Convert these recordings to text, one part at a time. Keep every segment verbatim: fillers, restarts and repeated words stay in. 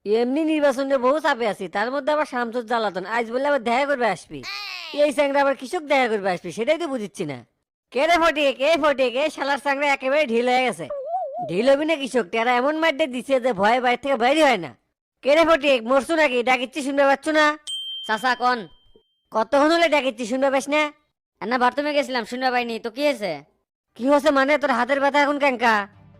এমনি নির্বাচনে বহু চাপে আছি, তার মধ্যে আবার শামসুর জ্বালাতন, আজ বললে আবার দেখা করবে আসবি। এই স্যাংরা আবার কৃষক দেখা করবে আসবি, সেটাই তো বুঝিচ্ছি না। কে রে ফটিক, কে ফটিক, এই শালার স্যাংরা একেবারে ঢিল হয়ে গেছে। ঢিল হবি না কৃষক, তারা এমন মাঠে দিছে যে ভয়ে বাইরে থেকে বাইরে হয় না। কে রে ফটিক, মরছু নাকি? ডাকিচ্ছি শুনতে পাচ্ছ না? চাচা কন। কতক্ষণ হলে ডাকিচ্ছি শুনতে পাস না? না বাথরুমে গেছিলাম, শুনতে পাইনি তো, কি হয়েছে? কি হচ্ছে মানে? তোর হাতের ব্যথা এখন কেঙ্কা?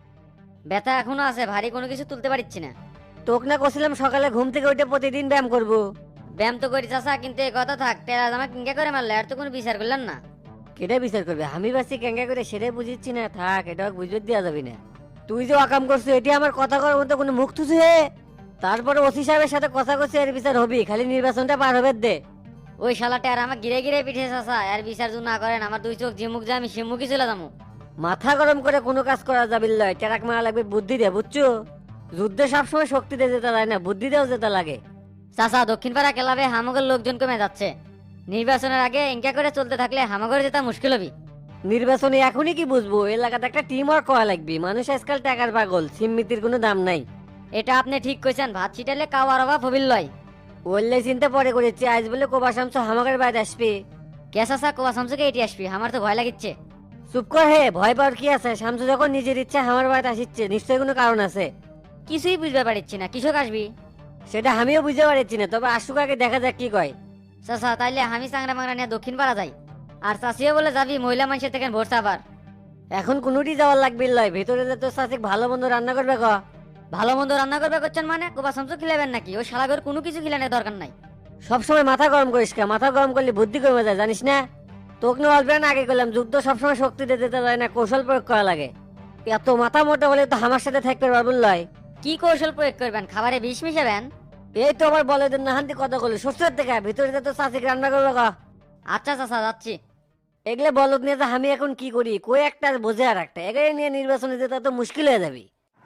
ব্যথা এখনো আছে, ভারী কোনো কিছু তুলতে পারছি না। তোকে না করছিলাম সকালে ঘুম থেকে উঠে প্রতিদিন ব্যায়াম করবো। ব্যায়াম তো করি চাচা, কিন্তু এই কথা থাক, টেরা জামা কিনকে করে মারলে আর তো কোনো বিচার করলেন না। কেটে বিচার করবে? আমি বাসি কেঙ্কা করে সেটাই বুঝিচ্ছি না। থাক, এটা বুঝবে দেওয়া যাবি না। তুই যে অকাম করছিস, এটি আমার কথা করার মধ্যে কোনো মুখ থুসু হে? তারপরে ওসি সাহেবের সাথে কথা করছে, এর বিচার হবি, খালি নির্বাচনটা পার হবে দে। ওই শালা টেরা আমার গিরে গিরে পিঠে চাচা, আর বিচার যদি না করেন আমার দুই চোখ যে মুখ যায় আমি সে মুখই চলে যাবো। মাথা গরম করে কোনো কাজ করা যাবি লয়, টেরাক মারা লাগবে বুদ্ধি দে, বুঝছো? যুদ্ধে সবসময় শক্তি দিয়ে যেতে লাগে না, বুদ্ধি দেও যেতে লাগে। চাচা দক্ষিণ পাড়া ক্লাবে হামগের লোকজন কমে যাচ্ছে, নির্বাচনের আগে ইনকা করে চলতে থাকলে হামাগরে যেতে মুশকিল হবি। নির্বাচনে এখনই কি বুঝবো? এলাকাতে একটা টিম ওয়ার্ক করা লাগবে, মানুষ আজকাল টাকার পাগল, সিমমিতির কোনো দাম নাই। এটা আপনি ঠিক কইছেন, ভাত ছিটালে কাওয়ার অভাব হবিল লয়। ওল্লে চিন্তা পরে করেছি, আজ বলে কোবা শামসু হামাকের বাইরে আসবে। কে চাচা কোয়া শামসুকে এটি আসবি, আমার তো ভয় লাগিচ্ছে। চুপ কর হে, ভয় পাওয়ার কি আছে? শামসু যখন নিজের ইচ্ছা আমার বাড়িতে আসিচ্ছে, নিশ্চয়ই কোনো কারণ আছে। কিছুই বুঝতে পারছি না, কৃষক আসবি। সেটা আমিও বুঝতে পারছি না, তবে আসুক আগে দেখা যাক কি কয়। চাচা তাইলে আমি চাংরা মাংরা নিয়ে দক্ষিণ পাড়া যাই, আর চাষিও বলে যাবি মহিলা মানুষের থেকে ভোর আবার। এখন কোনোটি যাওয়ার লাগবে লয়, ভেতরে যে তোর সাথে ভালো মন্দ রান্না করবে ক। ভালো মন্দ রান্না করবে করছেন মানে কোবা শামসু খিলাবেন নাকি? ওই শালাগর কোনো কিছু খিলানোর দরকার নাই। সবসময় মাথা গরম করিস কে? মাথা গরম করলে বুদ্ধি কমে যায়, জানিস না? তোকে নিয়ে অল্প না আগে করলাম, যুদ্ধ সবসময় শক্তি দিয়ে যেতে যায় না, কৌশল প্রয়োগ করা লাগে। এত মাথা মোটা হলে তো আমার সাথে থাকতে পারবো লয়। কি কৌশল প্রয়োগ করবেন? খাবারে বিষ মিশাবেন? এই তো আমার বলে না হান্তি কথা বলে শ্বশুরের থেকে, ভিতরে যে তোর চাষিকে রান্না করবে ক। আচ্ছা চাচা যাচ্ছি। এগুলো বলদ নিয়ে যে আমি এখন কি করি, কই একটা আর বোঝে আর একটা, এগুলো নিয়ে নির্বাচনে যেতে তো মুশকিল হয়ে যাবে।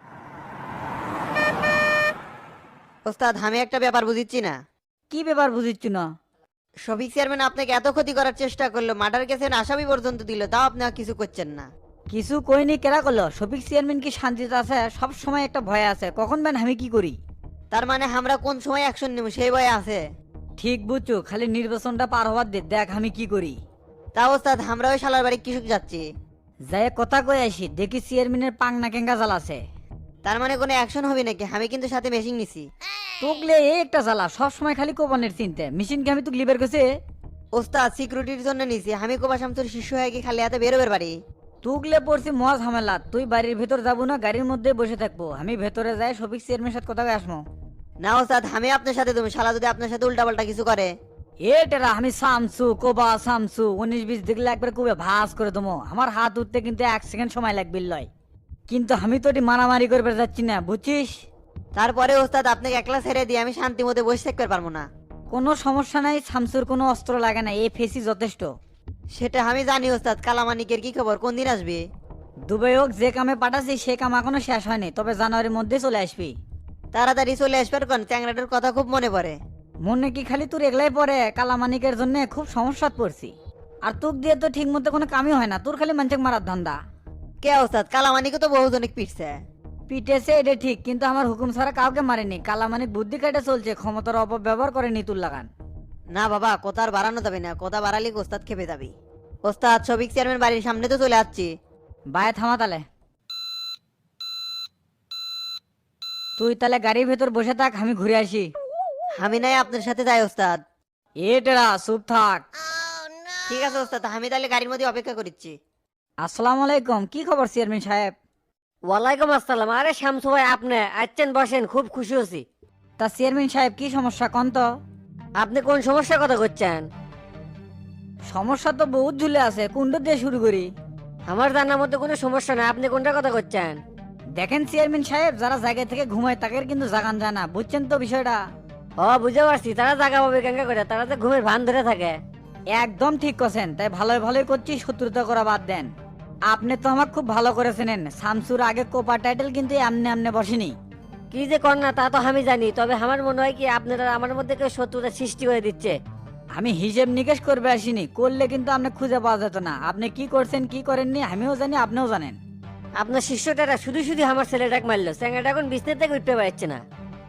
ওস্তাদ আমি একটা ব্যাপার বুঝিচ্ছি না। কি ব্যাপার বুঝিচ্ছি না? শফিক চেয়ারম্যান আপনাকে এত ক্ষতি করার চেষ্টা করলো, মার্ডার কেসের আসামি পর্যন্ত দিল, তাও আপনি আর কিছু করছেন না। কিছু কইনি কেরা করলো? শফিক চেয়ারম্যান কি শান্তিতে আছে? সব সময় একটা ভয় আছে, কখন বেন আমি কি করি। তার মানে আমরা কোন সময় অ্যাকশন নেব সেই ভয়ে আছে। ঠিক বুঝছো, খালি নির্বাচনটা পার হওয়ার দে, দেখ আমি কি করি। তা ওস্তাদ আমরা ওই শালার বাড়ি কৃষক যাচ্ছি। যাই কথা কই আসি, দেখি চেয়ারম্যানের পাংনা কেঙ্গা জ্বালাছে। তার মানে কোনো অ্যাকশন হবে নাকি? আমি কিন্তু সাথে মেশিন নিছি। তোকলে এই একটা জ্বালা, সব সময় খালি কোপনের চিনতে, মেশিনকে আমি তুক লিবার গেছে। ওস্তাদ সিকিউরিটির জন্য নিছি, আমি কোবা শামসুর শিষ্য হয়ে কি খালি হাতে বেরোবের বাড়ি? তুকলে পড়ছি মহা ঝামেলা, তুই বাড়ির ভেতর যাবো না, গাড়ির মধ্যে বসে থাকবো, আমি ভেতরে যাই শফিক চেয়ারম্যানের সাথে কথা কয়ে আসবো। না ওস্তাদ আমি আপনার সাথে, তুমি শালা যদি আপনার সাথে উল্টাপাল্টা কিছু করে। এ টেরা আমি সামসু কোবা সামসু উনিশ বিশ দেখলে একবার কুবে ভাস করে দেবো, আমার হাত উঠতে কিন্তু এক সেকেন্ড সময় লাগবে লয়। কিন্তু আমি তো এটি মারামারি করবে যাচ্ছি না, বুঝছিস? তারপরে ওস্তাদ আপনাকে একলা ছেড়ে দিয়ে আমি শান্তি মতো বসে থাকতে পারবো না। কোনো সমস্যা নাই, শামসুর কোনো অস্ত্র লাগে না, এই ফেসি যথেষ্ট। সেটা আমি জানি ওস্তাদ। কালামানিকের কি খবর, কোন দিন আসবে? দুবাই হোক যে কামে পাঠাচ্ছি সে কাম এখনো শেষ হয়নি, তবে জানুয়ারির মধ্যে চলে আসবি। তাড়াতাড়ি চলে আসবার কোন, চ্যাংরাটার কথা খুব মনে পড়ে। মনে কি খালি তোর এগলাই পরে? কালামানিকের জন্য খুব সমস্যাত পড়ছি, আর তোক দিয়ে তো ঠিক মতো কোনো কামই হয় না, তোর খালি মানুষকে মারার ধান্দা। কে ওস্তাদ? কালামানিকে তো বহুজনিক পিটছে। পিটেছে এটা ঠিক, কিন্তু আমার হুকুম ছাড়া কাউকে মারেনি। কালামানিক বুদ্ধি কাটে চলছে, ক্ষমতার অপব্যবহার করে নিতুল লাগান। না বাবা, কথা আর বাড়ানো যাবে না, কথা বাড়ালে ওস্তাদ খেপে যাবি। ওস্তাদ শফিক চেয়ারম্যান বাড়ির সামনে তো চলে আসছি। বায়ে থামা তালে, তুই তাহলে গাড়ির ভেতর বসে থাক, আমি ঘুরে আসি। আমি নাই আপনার সাথে যাই ওস্তাদ। এটেরা চুপ থাক। ঠিক আছে ওস্তাদ, আমি তাহলে গাড়ির মধ্যে অপেক্ষা করছি। আসসালামু আলাইকুম, কি খবর চেয়ারম্যান সাহেব? ওয়ালাইকুম আসসালাম। আরে শামসু ভাই, আপনি আসছেন, বসেন, খুব খুশি হছি। তা চেয়ারম্যান সাহেব কি সমস্যা কন তো? আপনি কোন সমস্যার কথা করছেন? সমস্যা তো বহুত ঝুলে আছে, কোনটা দিয়ে শুরু করি? আমার জানার মধ্যে কোনো সমস্যা নাই, আপনি কোনটার কথা করছেন? দেখেন চেয়ারম্যান সাহেব, যারা জায়গা থেকে ঘুমায় তাদের কিন্তু জাগান যায় না, বুঝছেন তো বিষয়টা? ও বুঝতে পারছি, তারা জাগা পাবে কেঙ্গা করে, তারা তো ঘুমের ভান ধরে থাকে। একদম ঠিক করছেন, তাই ভালোই ভালোই করছি, শত্রুতা করা বাদ দেন। আপনি তো আমাকে খুব ভালো করে চেনেন, শামসুর আগে কোপা টাইটেল কিন্তু এমনি এমনি বসেনি। কি যে কর না তা তো আমি জানি, তবে আমার মনে হয় কি আপনারা আমার মধ্যে কেউ শত্রুতা সৃষ্টি করে দিচ্ছে। আমি হিসেব নিকেশ করবে আসিনি, করলে কিন্তু আপনি খুঁজে পাওয়া যেত না। আপনি কি করছেন কি করেননি আমিও জানি, আপনিও জানেন। আপনার শিষ্যটারা শুধু শুধু আমার ছেলেটাকে মারলো, স্যাংরাটা এখন বিছনা থেকে উঠতে পারছে না।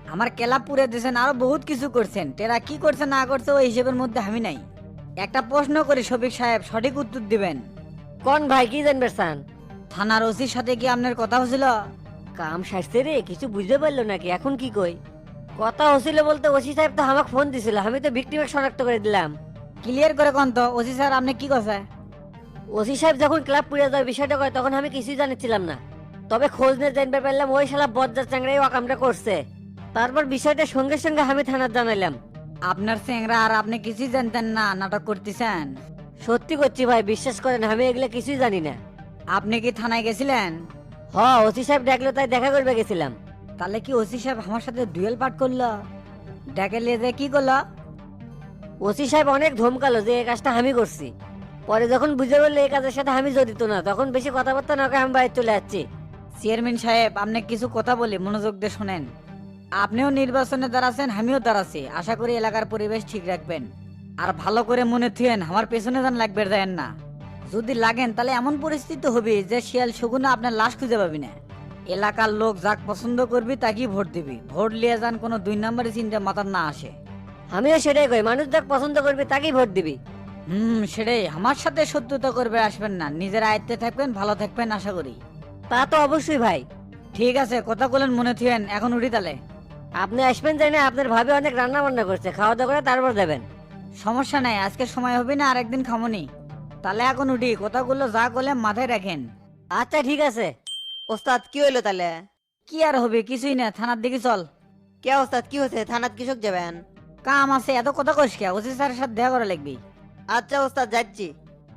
আমার কেলা পুরে দিয়েছেন, আরো বহুত কিছু করছেন। টেরা কি করছে না করছে ওই হিসেবের মধ্যে আমি নাই। একটা প্রশ্ন করি শফিক সাহেব, সঠিক উত্তর দিবেন। কোন ভাই কি জানবে চান? থানার ওসির সাথে কি আপনার কথা হয়েছিল? কাম সারছে রে, কিছু বুঝতে পারলো নাকি? এখন কি কই? কথা হচ্ছিল বলতে ওসি সাহেব তো আমাকে ফোন দিছিল, আমি তো ভিক্টিমকে শনাক্ত করে দিলাম। ক্লিয়ার করে কোন তো ওসি স্যার আপনি কি কথা? ওসি সাহেব যখন ক্লাব পুড়ে যাওয়ার বিষয়টা কয় তখন আমি কিছুই জানিছিলাম না, তবে খোঁজ নিয়ে জানতে পারলাম ওই শালা বজ্জার চাংড়াই ও কামটা করছে। তারপর বিষয়টা সঙ্গে সঙ্গে আমি থানার জানাইলাম। আপনার চেংরা আর আপনি কিছুই জানতেন না, নাটক করতেছেন? সত্যি করছি ভাই, বিশ্বাস করেন আমি এগুলো কিছুই জানি না। আপনি কি থানায় গেছিলেন? হ, ওসি সাহেব ডাকলো তাই দেখা করবে গেছিলাম। তাহলে কি ওসি সাহেব আমার সাথে ডুয়েল পাঠ করলো? ডেকে নিয়ে যে কি করলো? ওসি সাহেব অনেক ধমকালো যে এই কাজটা আমি করছি। পরে যখন বুঝে বললো এই কাজের সাথে আমি জড়িত না, তখন বেশি কথাবার্তা না কয়ে আমি বাইরে চলে যাচ্ছি। চেয়ারম্যান সাহেব আপনি কিছু কথা বলি মনোযোগ দিয়ে শোনেন। আপনিও নির্বাচনে দাঁড়াচ্ছেন, আমিও দাঁড়াচ্ছি। আশা করি এলাকার পরিবেশ ঠিক রাখবেন। আর ভালো করে মনে থুয়েন, আমার পেছনে যান লাগবে দেন না। যদি লাগেন তাহলে এমন পরিস্থিতি হবে যে শিয়াল শগুনে আপনার লাশ খুঁজে পাবি না। এলাকার লোক যাক পছন্দ করবি তাকেই ভোট দিবি। ভোট লিয়ে যান কোনো দুই নম্বরের চিন্তা মাথার না আসে। আমিও সেটাই কই, মানুষ যাক পছন্দ করবে তাকেই ভোট দিবি। হুম, সেটাই। আমার সাথে শত্রুতা করবে আসবেন না। নিজের আয়ত্তে থাকবেন, ভালো থাকবেন আশা করি। তা তো অবশ্যই ভাই। ঠিক আছে, কথা বলেন মনে থুয়েন। এখন উঠি তাহলে। আপনি আসবেন জানি না, আপনার ভাবি অনেক রান্না বান্না করছে, খাওয়া দাওয়া করে তারপর দেবেন। সমস্যা নাই, আজকে সময় হবে না, আরেকদিন খামনি। তাহলে এখন উঠি, কথাগুলো যা করলে মাথায় রাখেন। আচ্ছা ঠিক আছে। ওস্তাদ কি হইলো তাহলে? কি আর হবে, কিছুই না। থানার দিকে চল। কে ওস্তাদ কি হয়েছে? থানাত কৃষক যাবেন? কাম আছে, এত কথা কইস কে? ওসি স্যারের সাথে দেখা করা লাগবি। আচ্ছা ওস্তাদ যাচ্ছি।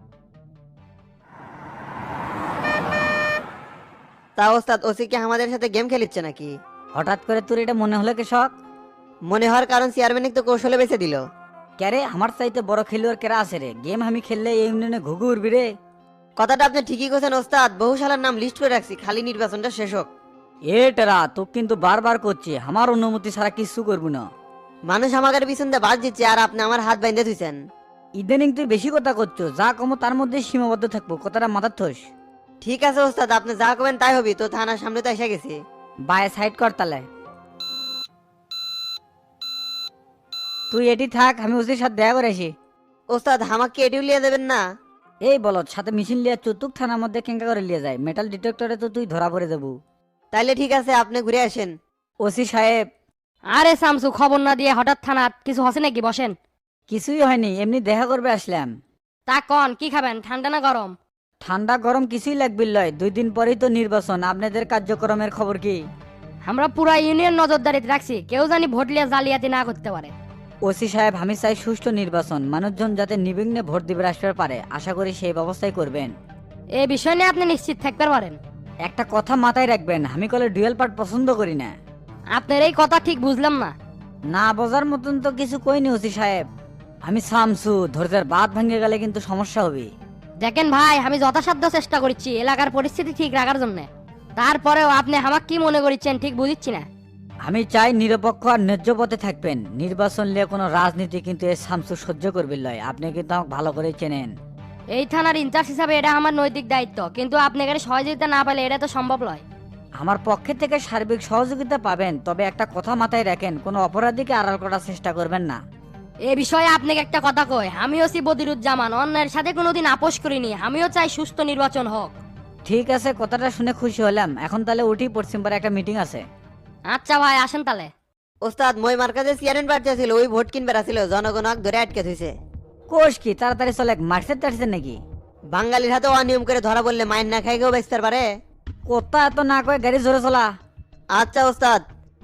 তা ওস্তাদ ওসি কি আমাদের সাথে গেম খেলিচ্ছে নাকি? হঠাৎ করে তোর এটা মনে হলো কৃষক? মনে হওয়ার কারণ চেয়ারম্যান তো কৌশলে বেঁচে দিল। ক্যারে আমার চাইতে বড় খেলোয়াড় কেরা আছে রে? গেম আমি খেললে এই ইউনিয়নে ঘুঘু উড়বি রে। কথাটা আপনি ঠিকই কইছেন ওস্তাদ, বহু শালার নাম লিস্ট করে রাখছি, খালি নির্বাচনটা শেষ হোক। এ টেরা তো কিন্তু বারবার করছি, আমার অনুমতি ছাড়া কিছু করবো না। মানুষ আমাদের পিছন দিয়ে বাদ দিচ্ছে আর আপনি আমার হাত বাইন্ধে ধুইছেন। ইদানিং তুই বেশি কথা করছো, যা কমো তার মধ্যে সীমাবদ্ধ থাকবো। কথাটা মাথার থোস। ঠিক আছে ওস্তাদ, আপনি যা করবেন তাই হবি। তো থানার সামনে তো এসে গেছি। বায়ে সাইড কর তালে। তুই এটি থাক, আমি ওসির সাথে দেখা করে আসি। ওস্তাদ আমাকে এটিও লিয়ে দেবেন না? এই বলত সাথে মেশিন লিয়ে চতুক থানার মধ্যে কেঙ্কা করে লিয়ে যায়। মেটাল ডিটেক্টরে তো তুই ধরা পড়ে যাবো। তাইলে ঠিক আছে, আপনি ঘুরে আসেন। ওসি সাহেব। আরে শামসু, খবর না দিয়ে হঠাৎ থানাত কিছু হসে নাকি? বসেন। কিছুই হয়নি, এমনি দেখা করবে আসলাম। তা কন কি খাবেন, ঠান্ডা না গরম? ঠান্ডা গরম কিছুই লাগবে লয়, দুই দিন পরেই তো নির্বাচন। আপনাদের কার্যক্রমের খবর কি? আমরা পুরা ইউনিয়ন নজরদারিতে রাখছি, কেউ জানি ভোট লিয়ে জালিয়াতি না করতে পারে। ওসি সাহেব আমি চাই সুষ্ঠু নির্বাচন, মানুষজন যাতে নির্বিঘ্নে ভোট দিবে আসতে পারে। আশা করি সেই ব্যবস্থাই করবেন। এই বিষয় নিয়ে আপনি নিশ্চিত থাকতে পারেন। একটা কথা মাথায় রাখবেন, আমি কলে ডুয়েল পার্ট পছন্দ করি না। আপনার এই কথা ঠিক বুঝলাম না। না বোঝার মতন তো কিছু কইনি ওসি সাহেব। আমি সামসু, ধৈর্যের বাদ ভেঙে গেলে কিন্তু সমস্যা হবে। দেখেন ভাই, আমি যথাসাধ্য চেষ্টা করছি এলাকার পরিস্থিতি ঠিক রাখার জন্য। তারপরেও আপনি আমাকে কি মনে করছেন ঠিক বুঝছি না। আমি চাই নিরপেক্ষ আর ন্যায্য পথে থাকবেন। নির্বাচন নিয়ে কোনো রাজনীতি কিন্তু এ সামসু সহ্য করবে লয়। আপনি কিন্তু আমাকে ভালো করে চেনেন। এই থানার ইনচার্জ হিসাবে এটা আমার নৈতিক দায়িত্ব, কিন্তু আপনি এখানে সহযোগিতা না পেলে এটা তো সম্ভব নয়। আমার পক্ষে থেকে সার্বিক সহযোগিতা পাবেন, তবে একটা কথা মাথায় রাখেন, কোনো অপরাধীকে আড়াল করার চেষ্টা করবেন না। এ বিষয়ে আপনাকে একটা কথা কই, আমিও সি বদিরুজ্জামান, অন্যের সাথে কোনোদিন আপোষ করিনি। আমিও চাই সুস্থ নির্বাচন হোক। ঠিক আছে, কথাটা শুনে খুশি হলাম। এখন তাহলে উঠি, পশ্চিম পাড়ে একটা মিটিং আছে। আচ্ছা ভাই, আসেন তাহলে। ওস্তাদ মই মার্কাজে চেয়ারম্যান প্রার্থী ছিল, ওই ভোট কিনবার আসছিল, জনগণক ধরে আটকে থইছে। কোষ কি তাড়াতাড়ি চলে, মার্কসের টার্সের নাকি? বাঙালির হাতে অনিয়ম করে ধরা বললে মাইন না খাই কেউ বেচতে পারে? কথা এত না কয়ে গাড়ি জোরে চলা। আচ্ছা ওস্তাদ।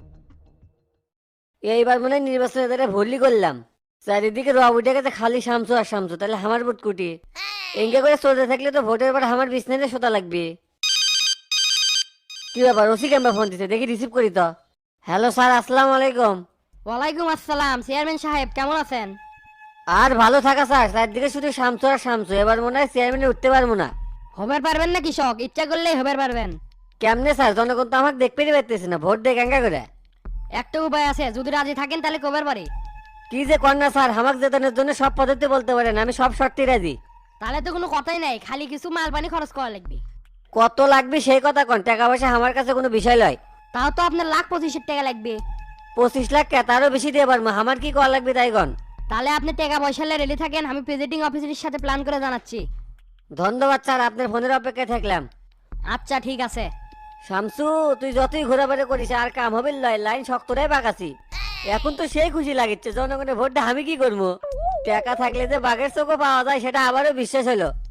এইবার মনে হয় নির্বাচনের দ্বারা ভুলই করলাম। চারিদিকে রব উঠে গেছে, খালি শামসু আর শামসু, তাহলে আমার ভোট কুটি এঙ্গে করে চলতে থাকলে তো ভোটের পর আমার বিছনাতে শোতা লাগবে। কি ব্যাপার, ওসি ক্যাম্পা ফোন দিতে, দেখি রিসিভ করি তো। হ্যালো স্যার, আসসালামু আলাইকুম। ওয়ালাইকুম আসসালাম। চেয়ারম্যান সাহেব কেমন আছেন? আর ভালো থাকা স্যার, চারদিকে শুধু শামসু আর শামসু, এবার মনে হয় চেয়ারম্যানে উঠতে পারবো না। হবার পারবেন না কৃষক, ইচ্ছা করলেই হবার পারবেন। কেমনে স্যার, জনগণ তো আমাকে দেখতেই পারতেছে না, ভোট দেয় কেঙ্গা করে। একটা উপায় আছে, যদি রাজি থাকেন তাহলে কবার পারি। কি যে কন্যা স্যার, আমাকে জেতানোর জন্য সব পদ্ধতি বলতে পারেন, আমি সব শর্তে রাজি। তাহলে তো কোনো কথাই নাই, খালি কিছু মাল পানি খরচ করা লাগবে। কত লাগবে সেই কথা কন, টাকা পয়সা আমার কাছে কোনো বিষয় নয়। তাও তো আপনার লাখ পঁচিশের টাকা লাগবে। পঁচিশ লাখ কে তারও বেশি দিয়ে পারবো, আমার কি করা লাগবে তাই গন। তাহলে আপনি টাকা পয়সা রেডি থাকেন, আমি প্রেজিডিং অফিসারের সাথে প্ল্যান করে জানাচ্ছি। ধন্যবাদ স্যার, আপনার ফোনের অপেক্ষায় থাকলাম। আচ্ছা ঠিক আছে। শামসু, তুই যতই ঘোরাফেরা করিস আর কাম হবে লয়, লাইন শক্তটাই বাগাছি। এখন তো সেই খুশি লাগিচ্ছে, জনগণের ভোটটা আমি কি করবো? টাকা থাকলে যে বাঘের চোখও পাওয়া যায় সেটা আবারও বিশ্বাস হলো।